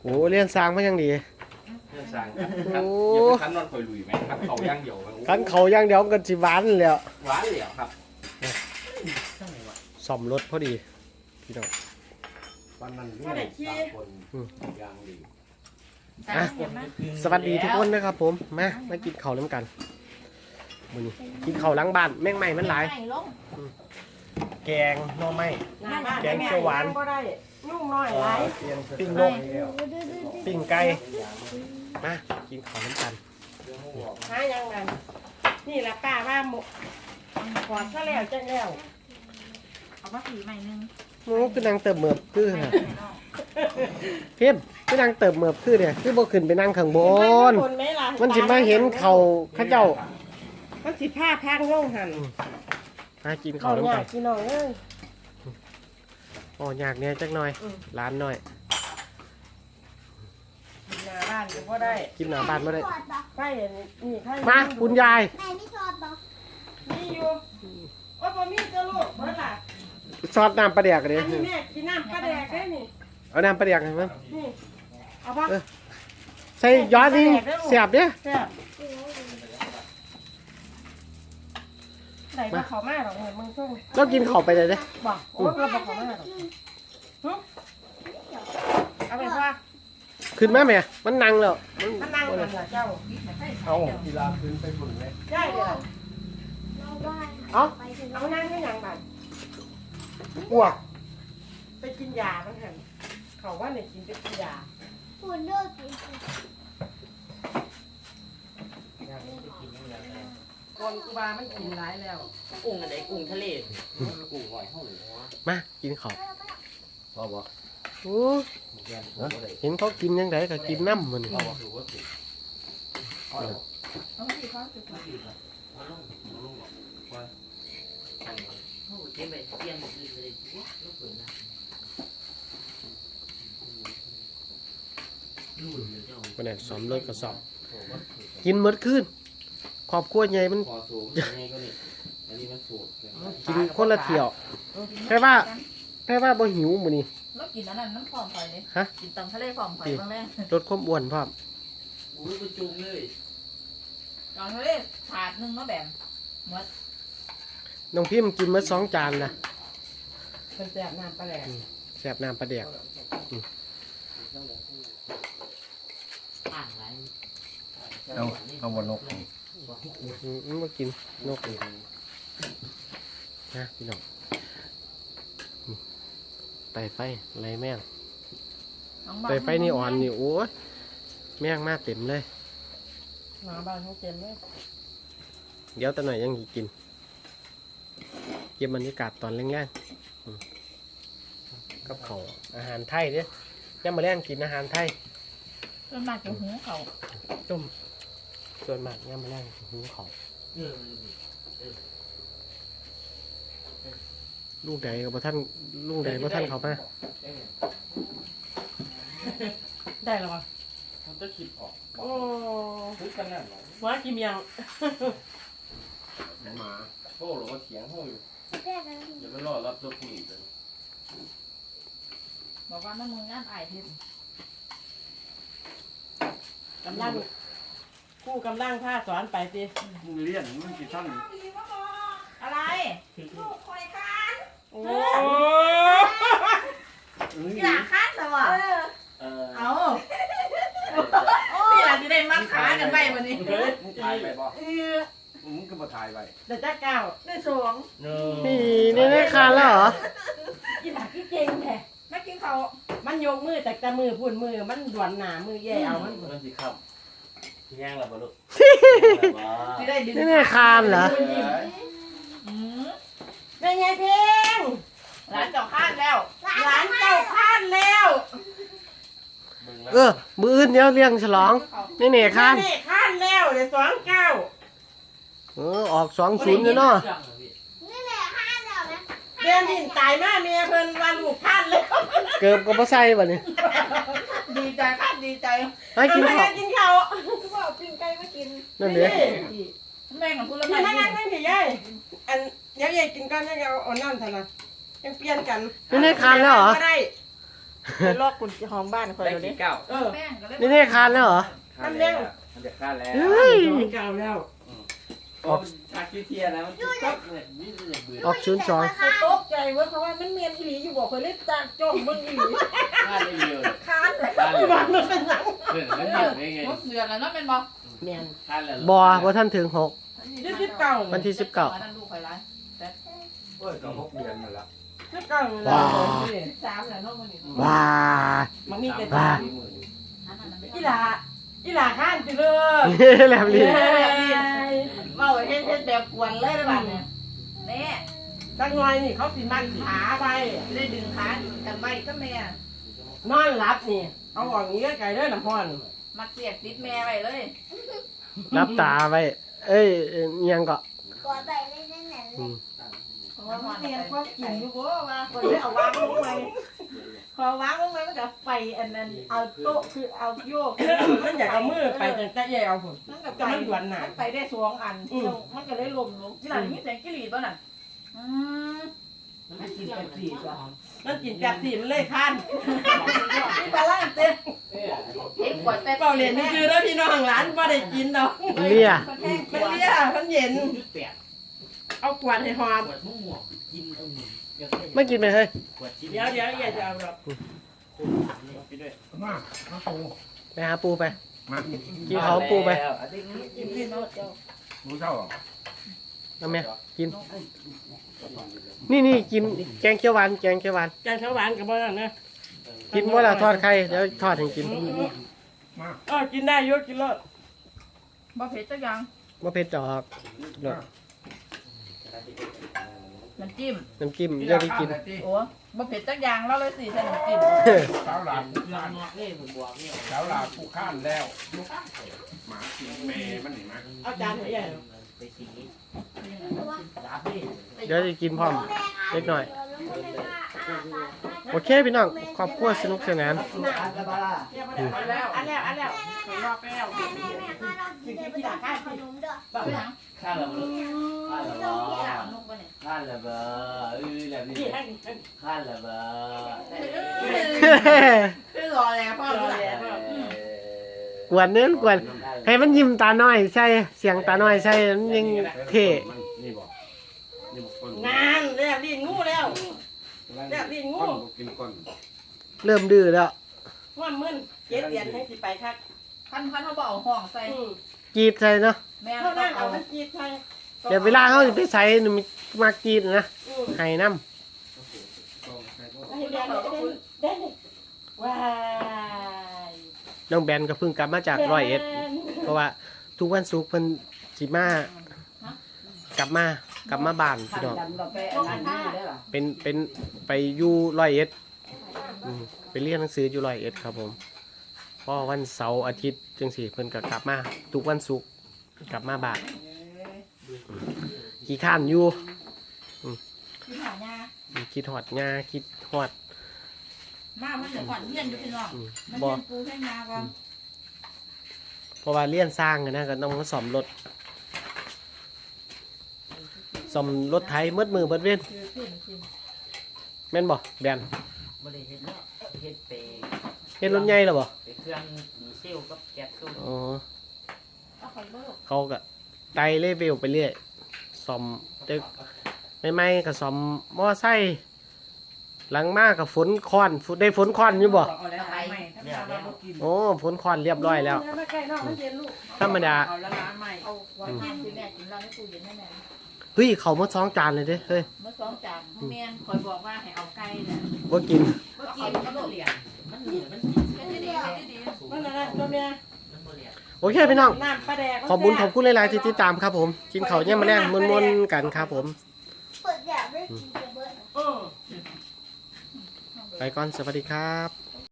อ้เรียนสร้างมายังดีเรื่องสร้างครับอย่าไปคันนอนคอยลุยไหมครับเขาย่างเดียวคันเขาย่างเดียวกันสิหวานแล้วหวานเหลียวครับซ่อมรถพอดีพี่น้องวันนั้นนี่3 คนย่างดีอ่ะสวัสดีทุกคนนะครับผมมากินข้าวน้ำกันมื้อนี้กินข้าวหลังบ้านแม่งใหม่มันหลายแกงหน่อไม้แกงเขียวหวานก็ได้ยุ่งน้อยหลายปิ้งนกปิ้งไก่มากินข้าวน้ำกันหายังนั้นนี่แหละป้าว่าหมกกอดซะแล้วจังแล้วเอามาผีใหม่นึงโอ้คือนางเติมเหมือบคือฮะเพี้ยนคือนางเติมเหมือบคือเนี่ยคือบ่ขึ้นไปนั่งข้างบนมันสิมาเห็นเขาข้าเจ้ามันสิผ้าพังล่องหันมากินข้าวน้ำกันพี่น้องเอ้ยอ๋อยากเนี่ยจักหน่อยร้านหน่อยหน้าบ้านก็ได้กินหน้าบ้านมาได้ใกล้นี่ใกล้มาคุณยายแม่ไม่ชอบบอกมีอยู่โอ้ยบ่มีเจ้าลูกเบิ่งล่ะซอสน้ำปลาแดกกันดิอันนี้แม่กินน้ำกระแดกได้นี่เอาน้ำปลาแดกให้มันนี่เอาปะใส่ยอดนี่เสียบเนี่ยแซ่บไหนมาเขามาหรอกเหมือนมึงช่วงก็กินข้าวไปเลยเด้บอกโอ้ยเราบอกเขามาหรอกเอาไปว่าขึ้นมาแม่มันนั่งแล้วถ้านั่งกันล่ะเจ้าเอากีฬาพื้นไปบุญเลยได้เดี๋ยวเราบ้านเอาไปถึงเอานั่งให้ยังบัดอ้วกไปกินยามันหันเขาว่าเนี่ยกินไปกินยาพูดเลิกกินคนกูบามันกินร้ายแล้วกุ้งอะไรกุ้งทะเลกุ้งหอยห้องหรือวะมากินข้าวพ่อบอกโอ้เห็นเขากินยังไงก็กินน้ำมันเราถือว่าสิเอาเอามาผีเขาสุดมาลงว่าโอ้เจ๊ไปเตรียมอีกเลยลูกเปิดนะลูกเดี๋ยวเจ้าวันนี้ซ้อมเลิกก็ซ้อมกินหมดคืนครอบครัวใหญ่มันพอสูงนี่ก็นี่อันนี้มันสูงกินคนละเที่ยวแค่ว่าบ่หิวมื้อนี้แล้วกินอันนั้นน้ำผอมไปเลยฮะกินตำทะเลผอมไปบ้างแรกลดความอ้วนพร้อมอุ้ยไปจุ่มเลยตอนทะเลถาดนึงเนาะแบบหมดน้องพิมพ์กินมา2 จานนะเป็นแซ่บน้ำปลาแหลกแซ่บน้ำปลาแดกอ่างไรเอาบนนกมากินนกนี่นะพี่น้องไต่ไฟไรแม่งไต่ไฟนี่อ่อนนี่โอ้ยแม่งมาเต็มเลยหมาบ้านเขาเต็มเลยเดี๋ยวตะหน่อยยังกินเก็บบรรยากาศตอนแรงๆกับเขาวอาหารไทยเนี่ยย่ำมาแรงกินอาหารไทยต้นมากจะหูเขาต้มส่วนมากย่ำมาแรงหูเขาวลูกใดกับท่านลูกใดกับท่านเขามาได้แล้วปะมันจะคิดออกโอ้ทุกกันนั่นหรอว่ากินยังหมาโอ้หรือว่าเถียงห้องอยู่แก้กันอย่าไปรอรับตัวผู้หญิงเลยบอกว่าน้ำมึงงานอายเทนกำลังคู่กำลังผ้าสอนไปสิมึงเลี้ยนมึงกี่ท่านอะไรโอ้อยากคัดเหรอวะเอานี่แหละจะได้มัดขากันไปวันนี้เฮ้ยมึงถ่ายไปบ่มึงก็มาถ่ายไปเดี๋ยวจ้าเก้าได้สองนี่คานแล้วเหรอกินหนักที่เก่งแท้ไม่กินเขามันยกมือแต่แต่มือพูนมือมันด่วนหนามือแย่เอามันมันสิครับแย่งแล้วบ่ลูกที่ได้ดึงนี่คานเหรอแม่ไงเพลงร้านเจ้าข้านแล้วหลานเจ้าพลาดแล้วมืออื่นเดี๋ยวเลี้ยงฉลองนี่คานแม่พลาดแล้วเดี๋ยว29 ออก20อยู่เนาะนี่แหละห้าเดี๋ยวนะเดือนหินตายมาเมียเพิ่นว่าลูกพลาดแล้วเกือบก็บ่ใส่บัดนี้ดีใจคัดดีใจให้กินข้าวกินข้าวก็บอกปิ้งไก่มากินนั่นเด้แม่ของคุณละพี่ไม่นั่งนั่งพี่ยายอันเดี๋ยวยายกินก่อนยังเอาน้ำเถอะนะยังเปลี่ยนกันนี่คานแล้วเหรอก็ได้ไปลอกกุญแจห้องบ้านคอยได้เดี๋ยวกี่นี้เก้าเออแป้งก็เลยนี่คานแล้วเหรอค่าแล้วมันจะค่าแล้วเฮ้ยเก่าแล้วออกชาคิเทียนะมันก็เลยนี่เลยเบื่อออกชุนจองตกใจเว้ยเพราะว่ามันเมียนอีหลีอยู่บอกเคยเล่นจานจ้องมึงอีหลีค่าได้เยอะเลยค้านเลยค่าเลยบ้านมันเป็นหยังเพื่อนมันเยอะได้ไงรถเดือดแล้วเนาะเป็นบ่เมียนค่าแล้วบ่ท่านถึง6 วันที่19 นั่นลูกข่อยร้ายโอ้ยก็6 เดือนมาแล้ว 19เลยว้า 13แล้วเนาะมื้อนี้ว้ามันมีแต่ว้าอีหลาข้านจิเลยแหลมลิ้นเว้าเฮ็ดแบบกวนเลยนะบ้านเนี่ยแน่จังหน่อยนี่เขาสิมัดขาไปจะได้ดึงขาดึงกันไว้ก็แม่นอนหลับนี่เอาออกอย่างนี้ไกลๆเด้อน้ำพรมัดเสียบติดแม่ไว้เลยรับตาไว้เอ้ยเอียงก็กดไปเลยนั่นแหละอืมเพราะว่ามันเมียนก็กินอยู่บ่ว่าคนได้เอาวางลงไปพอวางลงไปมันก็ไปอันนั้นเอาโต๊ะคือเอาโยกมันอยากเอามือไปแต่ใหญ่เอาผลมันก็จะมันหวนหนาไปได้2อันมันก็เลยล้มลงที่หลังมีแสงกิริตัวน่ะมันกินแป๊บซี่จ้ะมันกินแป๊บซี่มันเลยคันนี่ตาล่างเต้เห็นขวดแต่เปล่าเรียนนี่คือแล้วพี่น้องร้านไม่ได้กินดอกเลี่ยมันแห้งมันเลี่ยมันเย็น เอาขวดให้หอมขวดม่วงกินเอาหนึ่งไม่กินไปเฮ้ยเดี๋ยวอย่าจะเอาดอกมาปูไปหาปูไปมากินเขาปูไปปูเจ้าเอาแม่กิน นี่กินแกงเขียวหวานแกงเขียวหวานแกงข้าวหวานกับบ้านนะกินว่าเราทอดไข่เดี๋ยวทอดให้กินมากินได้เยอะกินเลยบ่เผ็ดจักอย่างว่าเผ็ดดอกน้ำจิ้มน้ำจิ้มเดี๋ยวได้กินโอ้บ่เผ็ดจักอย่างเราเลยสิใส่น้ำจิ้มสาวหลานลานอกนี่ผมบอกนี่สาวหลานผู้ข้านแล้วหมากินแม่มันเห็นไหมเอาจานให้ใหญ่ไปสีรับดิเดี๋ยวได้กินพร้อมเล็กหน่อย โอเคพี่น้องครอบครัวสนุกสนานอันแล้วรอบแล้วแม่ข้าเรากินเลยไปทานขนมด้วยบ่หยังค่าแล้วค่าแล้วอยากนุ่มบ่เนี่ยค่าแล้วเบอร์แล้วนี่นี่ให้ค่าแล้วเบอร์คือรอแล้วพ่อรู้แล้วกวนเนื้อกวนให้มันยิ้มตาน้อยใช่เสียงตาน้อยใช่มันยังเท่นี่บอกนี่บอกคนงานแล้วดินงูแล้วแล้วดินงูคนกินก้นเริ่มดื้อแล้วว่ามึนเจ็ดเดือนให้สิไปคักพันเขาบ่เอาห้องใส่กรีดใส่เนาะแม่เท่าต้อนั้งนเอาเอามันจีดไทยเดี๋ยวเวลาเขาจะไปใส่หนูมากรีดนะให้น้ให้เรียนได้ว้ายำน้องแบนก็เพิ่งกลับมาจาก101เพราะว่าทุกวันศุกร์เพิ่นสิมากลับมาบ้านพี่น้องไปอันนี้ได้ล่ะเป็นไปอยู่101ไปเรียนหนังสืออยู่101ครับผมพอวันเสาร์อาทิตย์จังสี่เพิ่นก็กลับมาทุกวันศุกร์กลับมาบ้านขี้ข้านอยู่กินหายาคิดฮอดงาคิดฮอดมามันจะก่อนเฮียนอยู่พี่น้องมันบ่เฮียนปูให้งาก่อนเพราะว่าเลี้ยนสร้างอะนะก็ต้องมาซ่อมรถซ่อมรถไถมืดมือเบิดเว้นคือขึ้นขึ้นแม่นบ่แบนบ่ได้เฮ็ดแล้วเฮ็ดไปเฮ็ดรถใหญ่แล้วบ่ไปเครื่องดีเซลกับแก๊สตู้อ๋อเอาไปเบิกเขาก็ไต่เลเวลไปเรื่อยซ่อมตึกใหม่ๆก็ซ่อมมอไซค์หลังมาก็ฝนค้อนได้ฝนค้อนอยู่บ่เอาแล้วไปเนี่ยแล้วโอ้ฝนค้อนเรียบร้อยแล้วไม่ใกล้นอกมันเย็นลูกธรรมดาเอาละล้านใหม่เอาไว้กินที่แม่กินเราในตู้เย็นแน่เฮ้ยเขามา2 จานเลยเด้เฮ้ยๆเมื่อ2จานแม่นคอยบอกว่าให้เอาไก่เนี่ยบ่กินบ่กินมันบ่เหลียมันเหลียมันกินเฮ็ดดีเฮ็ดดีนั่นน่ะตัวเมียมันบ่เหลียโอเคพี่น้องน้ำปลาแดกขอบคุณหลายๆที่ติดตามครับผมกินข้าวเนี่ยมาแรงมวนๆกันครับผมเปิดอยากได้กินเบิร์ดอือไปก่อนสวัสดีครับ